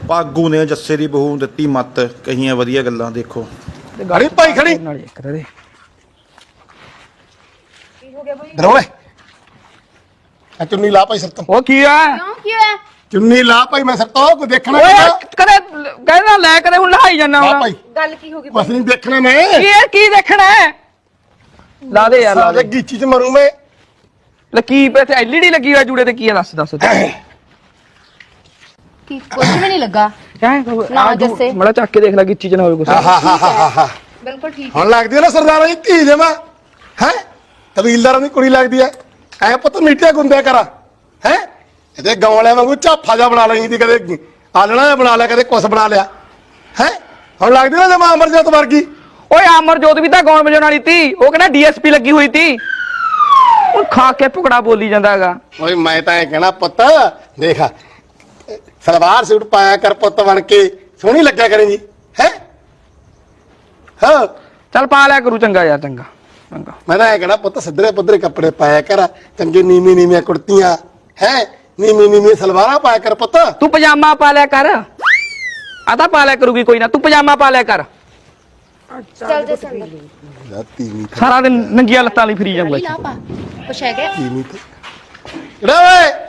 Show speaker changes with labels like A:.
A: ਪਾਗੂ ਨੇ ਜੱਸੇ ਦੀ ਬਹੂ ਦਿੱਤੀ ਮੱਤ ਕਹੀਆਂ ਵਧੀਆ ਗੱਲਾਂ ਦੇਖੋ
B: ਗਾੜੀ ਭਾਈ ਖੜੀ
C: ਨਾਲ ਇੱਕ ਦੇ
D: ਕੀ ਹੋ ਗਿਆ ਬਈ?
B: ਧਰੋਲੇ ਆ ਚੁੰਨੀ ਲਾ ਭਾਈ ਸਿਰ ਤੋਂ
C: ਉਹ ਕੀ ਆ
D: ਕਿਉਂ ਕੀ ਹੋਇਆ?
B: ਚੁੰਨੀ ਲਾ ਭਾਈ ਮੈਂ ਸਿਰ ਤੋਂ ਕੋਈ ਦੇਖਣਾ
C: ਓਏ
B: ਨਹੀਂ
C: ਕਦੇ ਕਹਿੰਦਾ ਲੈ ਕਦੇ ਹੁਣ ਲਹਾਈ ਜਾਂਦਾ
B: ਲਾ
C: ਹੁਣ
B: ਭਾਈ
D: ਗੱਲ ਕੀ ਹੋ ਗਈ
B: ਬਸ
D: ਬਈ?
B: ਨਹੀਂ ਦੇਖਣਾ ਮੈਂ
C: ਕੀ ਹੈ ਕੀ ਦੇਖਣਾ ਹੈ ਲਾ ਦੇ ਯਾਰ ਲਾ
B: ਸਾਲੇ
C: ਦੇ
B: ਗੀਚੀ ਚ ਮਰੂ ਮੈਂ
C: ਲਕੀ ਪੇ ਤੇ ਐਲਈਡੀ ਲੱਗੀ ਹੋਈ ਜੂੜੇ ਤੇ ਕੀ ਹੈ ਦੱਸ
D: ਕੀ ਕੁਝ ਵੀ ਨਹੀਂ ਲੱਗਾ। ਨਾ ਜੱਸੇ।
C: ਮੜਾ ਚੱਕ ਕੇ ਦੇਖ ਲੈ ਗਿੱਚੀ ਚ ਨਾ ਹੋਵੇ ਕੁਛ
B: ਆਹਾ
D: ਬਿਲਕੁਲ ਠੀਕ
B: ਹੁਣ ਲੱਗਦੀ ਹੈ ਨਾ ਸਰਦਾਰਾਂ ਦੀ ਧੀ ਜਮਾ ਹੈ ਕਬੀਲਦਾਰਾਂ ਦੀ ਕੁੜੀ ਲੱਗਦੀ ਹੈ ਐ ਪੁੱਤ ਮੀਟਿਆ ਗੁੰਦਿਆ ਕਰਾ ਹੈ ਇਹਦੇ ਗਾਉਂ ਵਾਲਿਆਂ ਵਾਂਗੂ ਝਾਫਾ ਜਾ ਬਣਾ ਲਈ ਦੀ ਕਦੇ ਆਲਣਾ ਜਿਹਾ ਬਣਾ ਲਿਆ ਕਦੇ ਕੁਛ ਬਣਾ ਲਿਆ ਹੈ ਹੁਣ ਲੱਗਦੀ ਨਾ ਜਮਾ ਅਮਰਜੋਤ ਵਰਗੀ
C: ਓਏ ਅਮਰਜੋਤ ਵੀ ਤਾਂ ਗਾਉਣ ਵਜਾਉਣ ਵਾਲੀ ਤੀ ਉਹ ਕਹਿੰਦਾ ਡੀਐਸਪੀ ਲੱਗੀ ਹੋਈ ਤੀ ਉਹ ਖਾ ਕੇ ਭੁਕੜਾ ਬੋਲੀ ਜਾਂਦਾ ਹੈਗਾ
B: ਓਏ ਮੈਂ ਤਾਂ ਇਹ ਕਹਿਣਾ ਪੁੱਤ ਦੇਖ ਸਲਵਾਰ ਸੂਟ ਪਾਇਆ ਕਰ ਪੁੱਤ ਬਣ ਕੇ ਸੋਹਣੀ ਲੱਗਿਆ ਕਰੇਗੀ ਹੈ ਹਾਂ
C: ਚੱਲ ਪਾ ਲਿਆ ਕਰੂ ਚੰਗਾ ਯਾਰ ਚੰਗਾ ਚੰਗਾ
B: ਮੈਂ ਤਾਂ ਇਹ ਕਹਿਣਾ ਪੁੱਤ ਸਿੱਧਰੇ ਪੁੱਧਰੇ ਕੱਪੜੇ ਪਾਇਆ ਕਰ ਚੰਗੇ ਨੀਵੀਆਂ ਕੁੜਤੀਆਂ ਹੈ ਨੀਵੀਆਂ ਸਲਵਾਰਾਂ ਪਾਇਆ ਕਰ ਪੁੱਤ
C: ਤੂੰ ਪਜਾਮਾ ਪਾ ਲਿਆ ਕਰ ਆ ਤਾਂ ਪਾ ਲਿਆ ਕਰੂਗੀ ਕੋਈ ਨਾ ਤੂੰ ਪਜਾਮਾ ਪਾ ਲਿਆ ਕਰ
D: ਚੱਲ ਜੇ ਸੰਦਰ
B: ਤੀਵੀਂ
C: ਸਾਰਾ ਦਿਨ ਨੰਗੀਆਂ ਲੱਤਾਂ ਲਈ ਫਰੀ ਜਾਊਗਾ
D: ਲਾ ਪਾ ਕੁਛ ਹੈਗਾ?
B: ਕਿਹੜਾ ਓਏ